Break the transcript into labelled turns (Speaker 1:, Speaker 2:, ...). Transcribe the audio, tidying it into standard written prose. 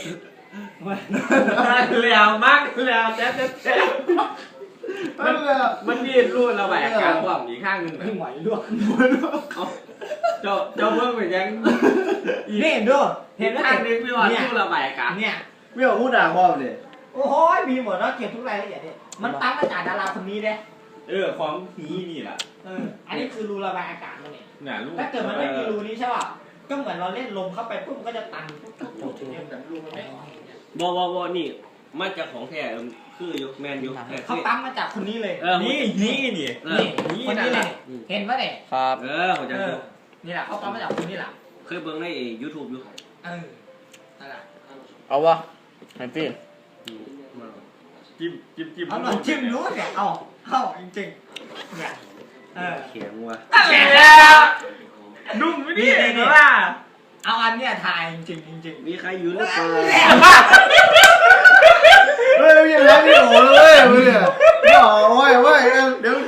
Speaker 1: แล้วมักแล้วแจ๊บมันยืดรูดระบายอากาศความอีกข้างหนึ่งแบบ
Speaker 2: ไหวด้วย
Speaker 1: เจ้าเบิ้งไปยัง
Speaker 2: นี่ดูเห็นแล้ว
Speaker 1: ข้างนึงพี่ว่ารูดระบายอากาศ
Speaker 2: เนี่ย
Speaker 3: ไม่เอาพูดด่าพ่อเลย
Speaker 2: โอ้โหมีหมดแล้วเก็บทุกรายละเอียดเนี่ยมันตั้งมาจากดาราคนนี้เลย
Speaker 1: ความนี้นี่แหละ
Speaker 2: อันนี้คือรูระบายอากาศมันเนี่ยถ้าเกิดมันไม่มีรูนี้ใช่ป่ะก็เหมือนเราเล่นลมเข้าไปปุ๊บมันก็จะตันเนี่ยแบบรูมันไม่ออก
Speaker 1: บนี่มาจากของแท้คือยกแมนยก
Speaker 2: เขาตั้งมาจากคนนี้เลย
Speaker 1: นี่
Speaker 2: คนนี้เลยเห็นป่ะเนี่ย
Speaker 3: ครับ
Speaker 1: ผมจะดู
Speaker 2: นี่แหละเขาตั้งมาจากคนนี้แหละ
Speaker 1: เคยเบิ่งใน YouTube อยู่
Speaker 2: นั่นแหละ
Speaker 3: เอาวะไอ้พี่
Speaker 1: จิ้ม
Speaker 2: เอาหน่อยจิ้มรู้เนี่ยเอาจริงๆเนี่ย
Speaker 1: เขียงว่ะ
Speaker 2: นุ่มไม่ดีเลยว่าเอาอันเนี้ยทายจริง
Speaker 1: มีใครอยู่หรือเปล่า
Speaker 3: เฮ้ยยังรักพี่โอ๋เลยเนี่ยโอ้ยเดี๋ยว